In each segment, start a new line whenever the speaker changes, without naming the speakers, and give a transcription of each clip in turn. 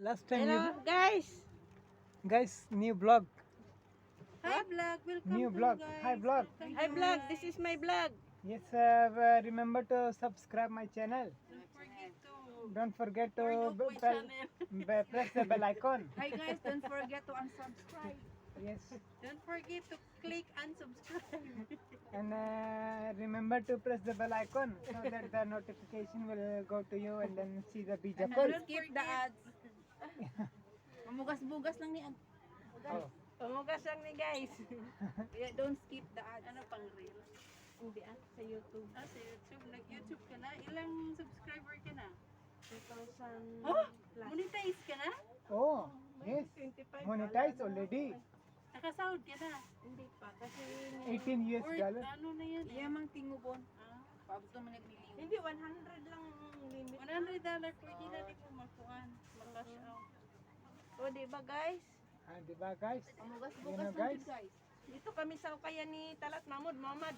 Last time
Hello, guys.
guys, new vlog.
Hi vlog, welcome
New
to
vlog.
guys.
Hi vlog.
Welcome
Hi,
to
vlog.
guys.
This is my vlog.
Yes, remember to subscribe my channel.
Don't forget to
Don't forget to
turn off my channel.
press the bell icon.
Hi guys, don't forget to unsubscribe.
Yes,
Don't forget to click unsubscribe.
and remember to press the bell icon so that the notification will go to you and then see the bija
And
call.
don't skip the ads. Mamugas-bugas lang ni ad.
Oh,
Pumugas lang ni guys.
Yeah, don't skip the ads.
Ano pang reels?
Hindi sa YouTube.
Ah, sa YouTube. Nag-YouTube ka na? Ilang subscriber ka na?
2,000
Oh!
plus.
Monetize ka na?
oh, yes,
25
monetize already.
Nakasahod ka na?
Hindi pa. Kasi
18 US
Or
dollar.
ano na yan?
Iya mang tingubon.
Ah,
Paabot mo nagmiliw.
hindi 100 lang ang limit.
$100 pwede na di mo makuhaan. Makash out.
O, di ba guys?
Ah, diba guys?
Mamugas-bugas
You know,
lang
guys?
din, guys.
Dito kami sa ukayan ni Talat Mahmud Muhammad.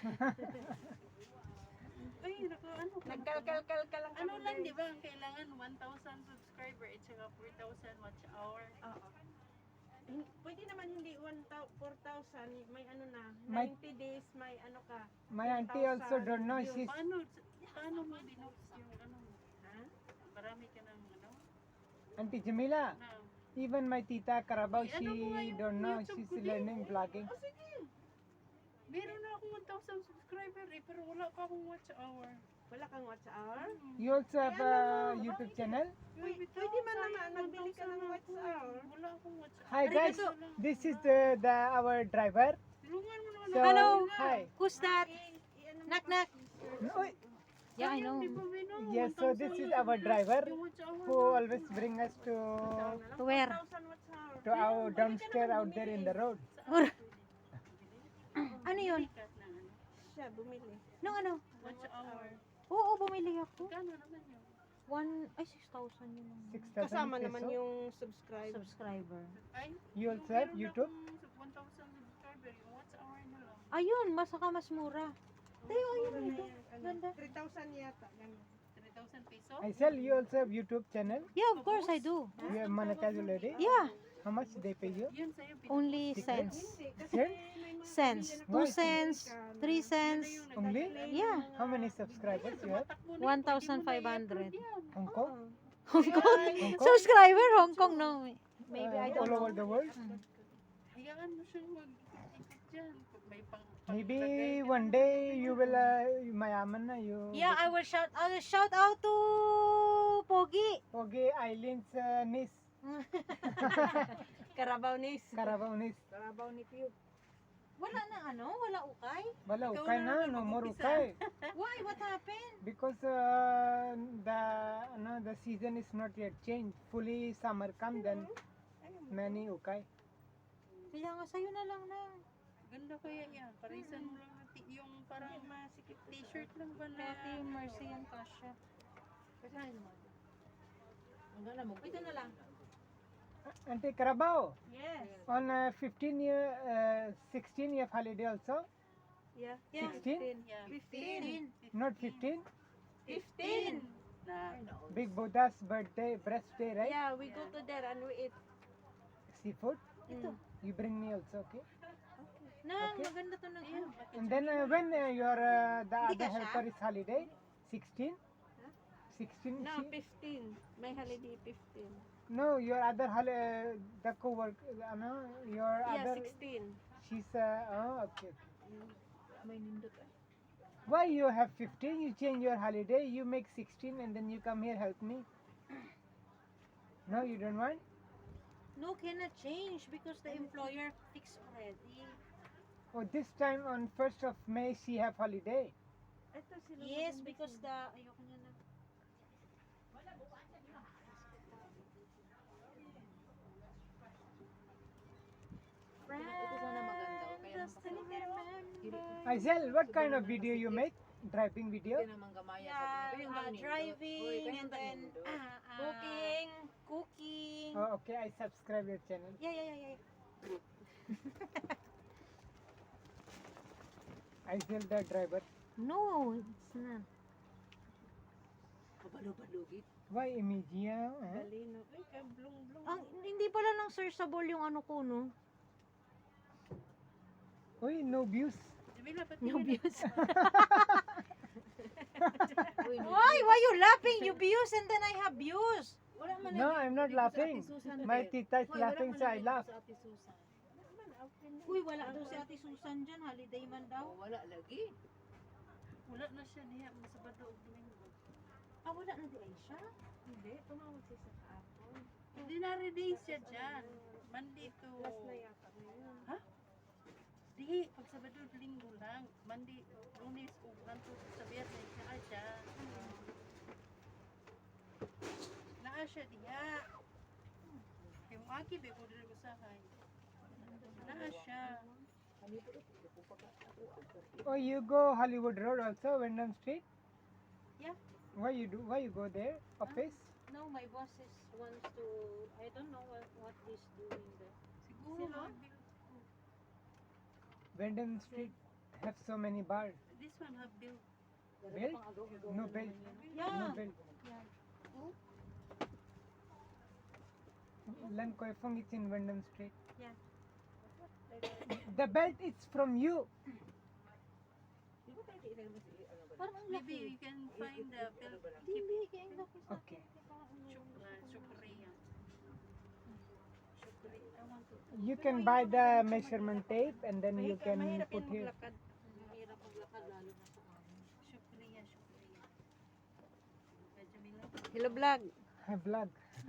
Ay, naku, ano ka?
Nagkalkal ka lang
Ano
kami,
lang,
guys.
di ba? Ang kailangan 1,000 subscriber at saka 4,000 watch hour.
Oo. Pwede naman hindi 4,000, may ano na,
May-
90 days, may ano ka.
My auntie also don't know. She's
Paano mo binooks yung ano mo?
Ha?
Marami ka ng ano?
Auntie Jamila.
Na,
Even my tita Carabao,
Ay,
she
ano mo nga yung
don't know.
YouTube
She's
ko din?
learning vlogging.
oh, sige. Meron na akong 1,000 subscriber eh, pero wala pa akong watch hour.
Wala kang watch hour?
You also have a YouTube channel?
Pwede man naman, magbili ka ng watch hour.
Wala akong watch hour.
Hi guys, this is the our driver.
Tulungan mo naman
So,
Hello.
hi.
Who's that? Knock knock.
Uy,
Yeah, I know.
Yes, so this is our driver who always bring us to
Where? 1,000 watch hour.
our downstairs out there in the road.
Ano yun?
ano,
Siya, bumili.
Nung ano?
Watch hour.
Oo, bumili ako.
Kano naman yun?
6,000 yun ang
6,000
Kasama naman
peso.
yung subscribe.
subscriber.
Ay,
You also have YouTube?
1,000 subscriber, yung watch hour na lang.
Ayun, mas mura. Tayo, ayun, ito.
Ano,
Ganda.
3,000 yata. Ganun.
3,000 peso?
I sell. You also have YouTube channel?
Yeah, of course I do.
You have monetized already?
Yeah,
How much they pay you?
Yun sa'yo,
only
Secret?
cents.
Hindi, kasi
Sir?
may mga
Cents.
Why?
2 cents, 3 cents.
Only?
Yeah,
How many subscribers you have?
1,500.
Hong Kong?
Hong Kong.
Hong Kong?
Subscriber, Hong Kong, no. Maybe I
All
don't
over
know.
the world?
Hayaan mo siyang mag-ikot dyan. Pag may
Maybe one day you will mayaman na you.
Yeah, I will shout out to Pogi.
Okay, Eileen's niece,
Carabao Nis.
Carabao niece.
Carabao ni Piu.
Wala na ano? Wala ukay?
Wala,
Ikaw
ukay
na
na,
naman
no more
mag-umpisa.
ukay.
Why? What happened?
Because the season is not yet changed. Fully summer come, then many ukay.
Kaya nga sa'yo na lang na.
Ganda kaya yan. Parisan mo lang natin yung parang masikip t-shirt lang ba na?
Kaya Team Mercy yung kasha. Ito na lang.
Auntie Carabao,
Yes.
on 16 year holiday also?
Yeah.
16?
Yeah.
15.
Not 15?
15.
Na,
Big Buddha's birthday, birthday, right?
Yeah, we go to there and we eat.
Seafood?
Ito.
You bring me also, okay?
Na,
Okay.
maganda to ng ano.
And then when your the
Hindi
other
ka siya?
helper is holiday, 16? 16?
No,
she-
15. May holiday 15.
No, your other the co-work, your
Yeah,
other,
16.
she's, oh, okay.
May nindot
Why you have 15? You change your holiday, you make 16 and then you come here help me. No, you don't want?
No, cannot change because the employer fixed already.
Oh, this time on 1st of May, she have holiday.
Ito sila.
Yes, because the... Ayoko niya na.
Ito sana maganda. O kaya
Just to remember.
Aisel, what kind of video you make? Driving video?
Hindi naman gamaya
Yeah,
sa Pero yung ganun,
driving
Uy,
and then
Cooking.
cooking.
Oh, okay, I subscribe your channel.
Yeah.
Aisel the driver.
No, it's not.
Kabalo-balugit.
Why Emigia?
Galino. Ay,
searchable yung ano ko, no?
Uy, no views.
Jamila, ba't
No
hindi
views.
Uy, no.
Why? Why you laughing? You views and then I have views.
Wala man
No,
na-
I'm not
dito sa
laughing.
Ate Susan,
My
te.
tita is
Hoy, wala
laughing,
man
so
na
I
dito
laugh.
sa Ate Susan.
Uy, wala daw si Ate Susan dyan. Holiday man daw.
Oh, wala lagi.
Wala na siya niya, masabado og Domingo.
Ah, wala na di ay siya.
Hindi, tumawag siya sa kahapon.
Ordinary days siya dyan. Monday to...
Last na yata ngayon.
Ha? Di, pag Sabado, Linggo lang. Monday, Lunes, o ganto sa Biyernes, naa siya. Naa siya diha. Yung aki, be, ko dito usahay. Naa siya.
Oh, you go Hollywood Road also, Wyndham Street?
Yeah.
Why you do? Why you go there? Office?
No, my boss is wants to, I don't know what he's doing there.
Siguro,
Sino?
Wyndham Street have so many bars.
this one have built.
Built? No built. No
Yeah.
built.
Yeah.
Lan Koi Fong is in Wyndham Street.
Yeah.
The belt is from you.
Parang ang
Maybe
laki.
you can find the built.
Hindi, kaya ang laki sa
Okay.
Shukriya. Shukriya. I want to.
You can buy the measurement tape and then you can
Mahirap
put
yan
here.
maglakad.
Mahirap maglakad lalo na sa amin.
Shukriya, Shukriya. Jamila.
Hello vlog.
Vlog.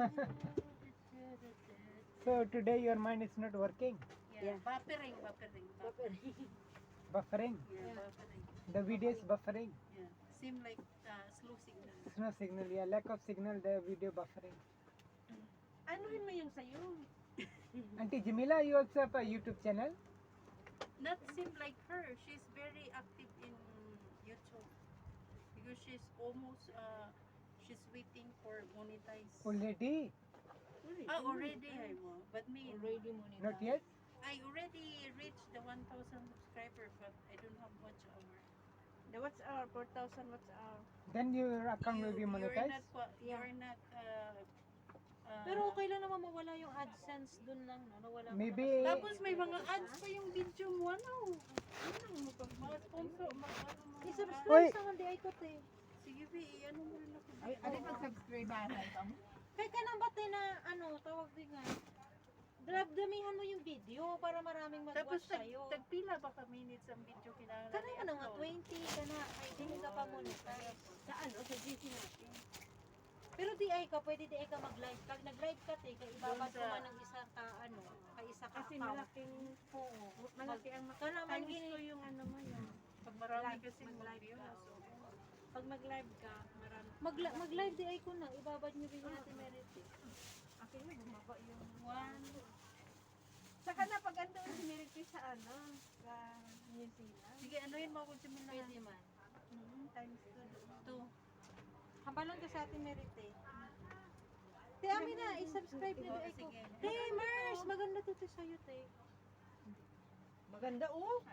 So today your mind is not working.
Yeah. Buffering, buffering.
Buffering.
Yeah, buffering.
The video is buffering.
Yeah. Seem like slow signal.
It's no signal. Yeah, lack of signal. The video buffering.
Anuhin mo yung sayo.
Auntie Jamila, you also have a YouTube channel?
Not seem like her. She's very active in YouTube because she's almost she's waiting for monetize.
Already?
Already I will. But me,
Already money.
Not yet?
I already reached the 1,000 subscriber, but I don't have much hour.
The what's our 4,000 what's our.
Then your account will be
You're
monetized?
not, you're not
Pero okay lang naman mawala yung AdSense dun lang, no? Nawala ko
Maybe-
na kasi.
tapos may mga ads pa yung video mo, ano? Mga sponsor, mga
I-subscribe
Uy!
sa hindi ay kote.
Sige, be, ano mo rin ako.
Ay, ano mag-subscribe ba ka mo?
Kaya ka nang batay na, ano, tawag din nga. Damihan mo yung video para maraming
Tapos
mag-watch sa'yo.
tagpila ba ka minutes ang video kinahanglan?
Kana mo na nga, 20 ka na, ay hindi ka pa monetize.
Sa ano? Sa GC natin.
Pero di ay ka, pwede di ay ka mag-live. Pag nag-live ka, te, kaya ibabad
Doon
mo
sa-
man ng isa ka, ano, ka isa ka
Kasi
account.
malaking malaki ang
Kana man
times
gini,
ko yung ano mo yun.
Pag marami
Live,
kasi
mag-live
mag-view,
ka.
so,
pag mag-live ka, marami. Mag-live di ay ko na, ibabad nyo din natin merit eh.
Akin mo bumaba yung
one,
Saka na pag andun si Mary Chris sa ano, sa New Zealand.
sige, ano yun mo kung Jamila?
Pwede man.
Times 2.
2.
Habalan ka sa ating merit eh. Te, amin na, i-subscribe nyo di ay ko.
Sige.
Te, Mars, maganda to te sa'yo, te.
Maganda oh.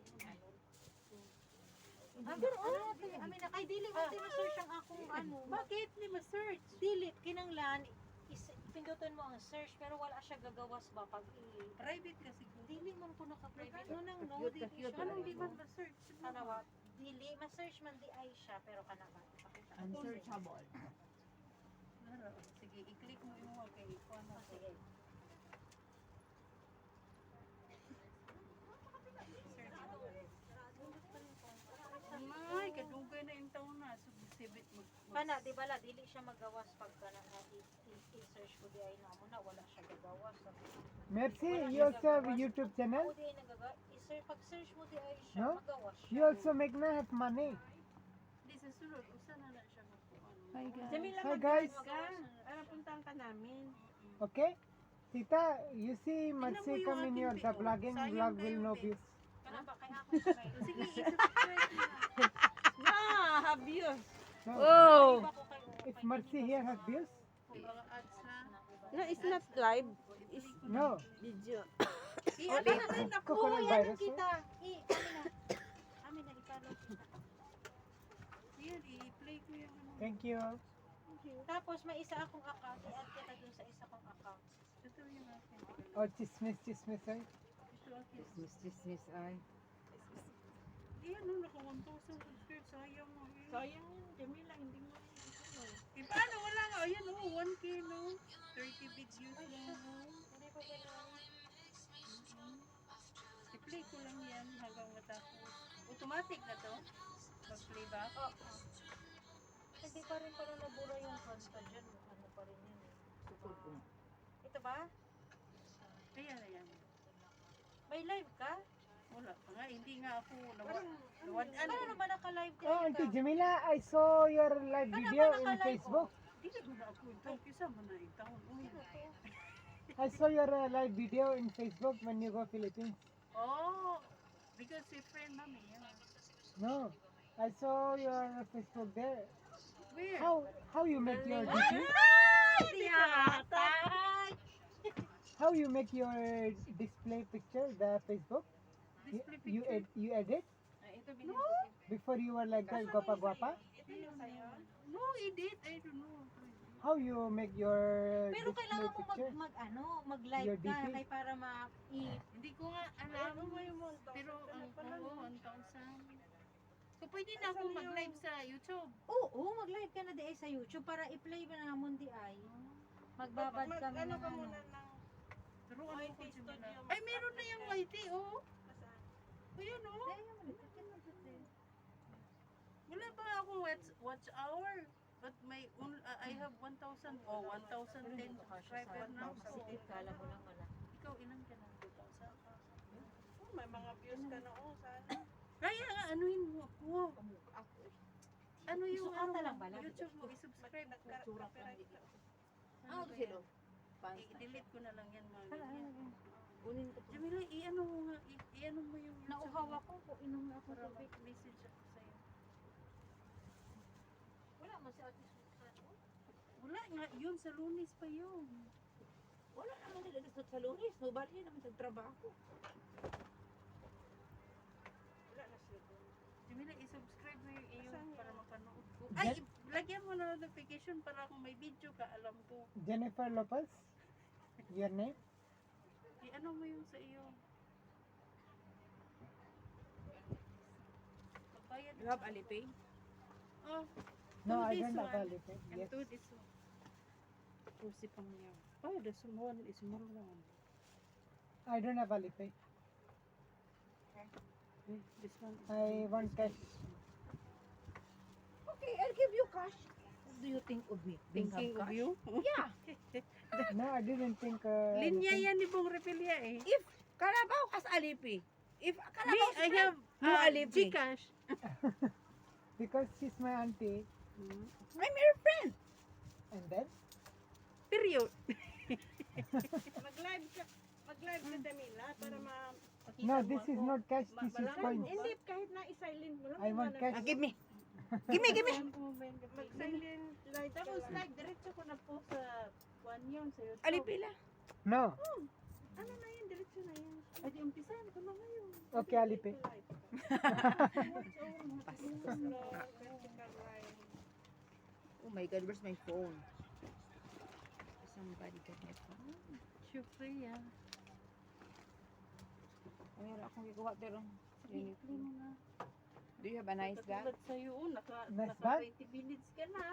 Ah, pero ano te, amin na, kay dili mo search ang akong ano.
Bakit? Di ma-search.
Dili, kinanglan, pindutin mo ang search, pero wala siya gagawas ba pag
Private kasi ko.
dili man ko naka-private. No nang no,
Cute
dili
na cute.
siya.
Anong di ba ma-search?
Kanawa, dili, ma-search man di ay siya, pero kanawa. Pakita ko.
Unsearchable.
Laro. Sige, i-click mo yung mga kay ikaw na.
Ah, sige.
Ay, kadugay na yung taon na. So, sibit mo.
Kana, di bala, dili siya magawas pag kana na i-search ko di ay namo na, wala siya gagawas.
Merci, you also have a YouTube channel?
O di ay nagaga, pag-search mo di ay siya,
No?
magawas siya.
You also make na have money.
Di sa sulod, usa na na siya magkuhan.
Hi guys.
Jamila,
Hi, guys.
mag-guys ka. Para puntahan ka namin.
Okay? Tita, you see
mo
Mercy
yung
come in
aking
your the
video.
vlogging
Sayang
vlog
kayo,
will no
babe.
views.
Kana ba, kaya ako siya may.
Sige, i-subscribe mo na.
Abuse.
No.
Oh.
Iba ko kayo.
If Mercy here has views?
Kung mga ads na.
No, it's not live. It's
No.
video.
Ano na rin ako,
Coconut
yan
virus,
kita. Amin na, ipalo kita.
Yan, i-play ko yung ano.
Thank you.
Tapos may isa akong account, i-add kita dun sa isa kong account.
Ito yung akin.
Or chismis, chismis, right?
Ito akin.
Chismis ay.
Di ano, naka 1,000 subscribers. Sayang mo eh.
Sayang yun, Jamila, hindi mo rin ito.
Eh, paano? Wala nga. Ayan oh, 1K no. 30 videos lang oh.
Hindi ko kailangan.
I-play ko lang yan hanggang matapos. Automatic na to? Mag-playback?
Hindi pa rin pala nabura yung kanta dyan. Ano pa rin yun eh.
Sukod ko.
Ito ba?
Ayan, ayan.
May live ka?
Wala pa nga. Hindi nga ako
Parang,
nawadaan.
Paano naman naka-live ka?
Oh, Auntie Jamila, I saw your live
Ano
video
ba
in
naka-live?
Facebook.
Hindi na guna ako ito. Kisa mo na itaon. Uy.
I saw your live video in Facebook when you go Philippines.
Oh, because si friend mami. Yeah.
No, I saw your Facebook there.
Where?
How you make your DP? How you make your display picture, the Facebook?
Display
You
picture?
you edit
Ay, ito
No.
before you were like that, guapa guapa.
Ito yung sa'yo.
No, edit. I don't know.
How you make your
Pero
display
kailangan mo
picture?
mag-live
Your
ka
DP.
kay para
Hindi ko nga alam.
Ano mo yung 1,000?
Pero ang
pala,
oo,
no?
1,000. So pwede na ako mag-live sa YouTube.
Oo, mag-live ka na di ay sa YouTube para i-play mo na mo di ay. Magbabad kami
Ano
ng
ka
ano.
muna ng
Turuan
YT
ko
studio.
Jamila. Ay, meron na yung YT, oh.
Nasaan?
Ayun, oh.
Ay,
Wala pa akong watch hour. But I have 1,000 o 1,010 subscriber na ako.
Kala mo lang wala.
Ikaw, ilan ka na? 2,000?
Oh, may mga views ka na oh, sana.
Kaya nga, anuhin mo ako. Ano yung
Isukat lang ba?
YouTube mo, i-subscribe ko.
Copyright ka.
Ano to sila?
I-delete ko na lang yan mga
Hala,
ganyan.
Kunin ko to.
Jamila, i-ano mo nga, i-ano mo yung YouTube
Nauhawa
mo
ko kung inom na ako
para
tubig.
mag-message ako sa'yo.
Wala mo si Ate Susan.
Wala nga, yun, sa Lunes pa yun.
Wala naman nila gusto sa lunes. Nobody naman sa trabaho.
Wala na siya doon.
Jamila, i-subscribe mo yung iyo
Asan
para
yun?
mapanood ko. Ay, lagyan mo na notification para kung may video ka, alam ko.
Jennifer Lopez, your name?
I-ano mo yung sa iyo. Magbayad
You have Alipay?
Oh,
No,
do
I
this
don't have
one.
Alipay.
And
Yes.
do this one. Pusi pang niya. Oh, this one is more long.
I don't have Alipay.
This one is
I want cash.
Okay, I'll give you cash. What do you think of me? Being
thinking
have
of
cash?
you.
Yeah.
No, I didn't think.
Linya
anything.
yan ni Bong Repelia eh.
If Carabao has Alipay. If
Me,
Carabao
I have
No Alipay.
Gcash.
Because she's my auntie,
I'm your friend.
and then
Period.
Mag-live ka, Jamila, para makita
no,
mo
this is
ako.
not cash. This is
Malaman
coins.
mo ba? Hindi, kahit na i-silent mo lang.
I want cash.
Give me. Give me.
Mag-silent live ka
Tapos
lang.
like, diretso ko na po sa one yun sa YouTube.
Alipay lang.
No.
Ano na yan, diretso na yan.
Ay, di umpisahan ko na ngayon.
Okay, Alipay.
Oh my God, where's my phone? Somebody got my phone.
Syempre yan.
Ay, meron akong gagawa pero.
Sige, play mo na.
Do you have a nice bag?
Katulad sa'yo, oh,
Nice
naka
bag?
20 minutes ka na.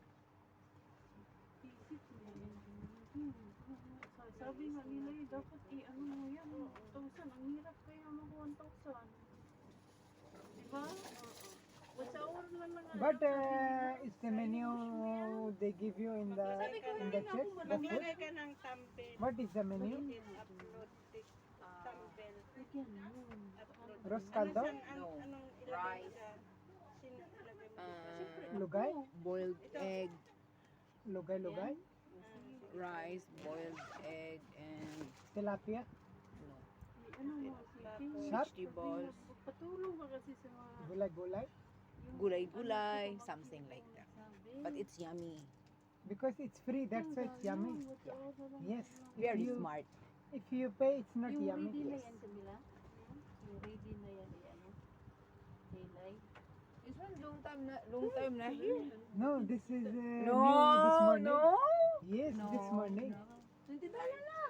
Sabi nga nila eh, dapat i-ano mo yan, 1,000. Ang hirap kaya mag 1,000. Diba? What's hour na lang.
But is the menu they give you in the
Sabi ko
in
rin
the
ako,
church? The food?
Maglagay ka ng thumbnail.
What is the menu?
Upload the thumbnail. Upload.
Ros
Ano
caldo?
saan,
No.
anong ilagay mo
Rice.
sa? Sino ilagay mo?
Lugay?
Boiled egg,
Lugay?
rice, boiled egg, and
Tilapia?
Ano mo, sige.
Sharp?
vegetables,
Patulong ba kasi sa mga...
Gulay?
gulay-gulay, something like that. But it's yummy.
Because it's free, that's why it's yummy. Yes.
Very
If you,
smart.
if you pay, it's not
Yung
yummy.
ready na
Yes.
yan, Camila? Yung ready na yan, ano? Hilay.
This one long time na here.
No, this is
No,
new this morning.
no.
Yes,
No,
this morning.
$20 na.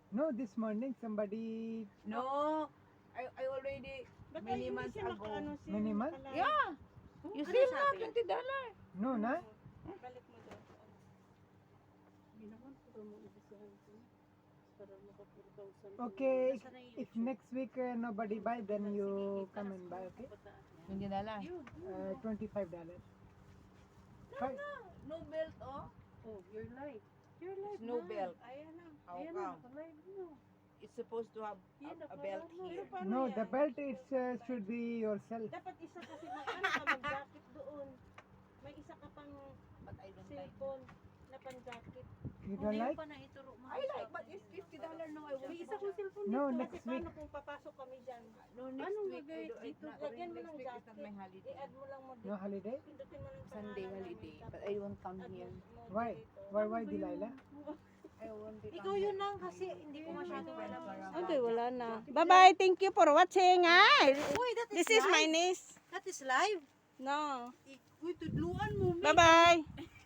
No, this morning somebody.
No, I already
Ba't
many
hindi
months
siya
ago.
nakaano siya,
Many months?
nakalive?
Yeah. You
Ano
see na,
sabi?
$20.
No, na?
Balik mo doon.
Hindi naman para mo ibisahan ko. Para maka-4,000.
Okay, if next week nobody buy, then you come and buy, okay?
$20.
Yun.
$25. Five-
No belt, oh.
Oh, your light. Your light.
No
na.
belt.
Ayan na.
How
Ayan na,
come?
naka-live mo.
It's supposed to have
Yan,
a belt
nakalaro.
here.
Paano
No,
yan?
the belt it should be yourself.
Dapat isa kasi mag-ano ka, mag-jacket doon. May isa ka pang
But I don't like.
cellphone na pang-jacket.
You don't like?
pa na ituro mo.
I like, but it's $50 no. I won't.
May isa kong cellphone
No,
Kasi
next week.
paano kung papasok kami dyan?
No, next
Anong
week.
gagawin
I
dito?
don't,
Lagyan mo
next
ng
week is not
jacket.
my holiday.
I-add mo lang mo
No holiday?
Pindutin mo lang yung
Sunday
pangalan
holiday.
namin,
But
tapos
I won't come
add
here.
mo
Why?
dito.
Why Delilah?
I won't be
Ikaw yun lang kasi hindi ko masyado alam.
Okay, wala na. Bye-bye. Thank you for watching. Ay,
Uy, that is
this is
live.
my niece.
That is live.
No.
Uy, tudluan mo.
Bye-bye.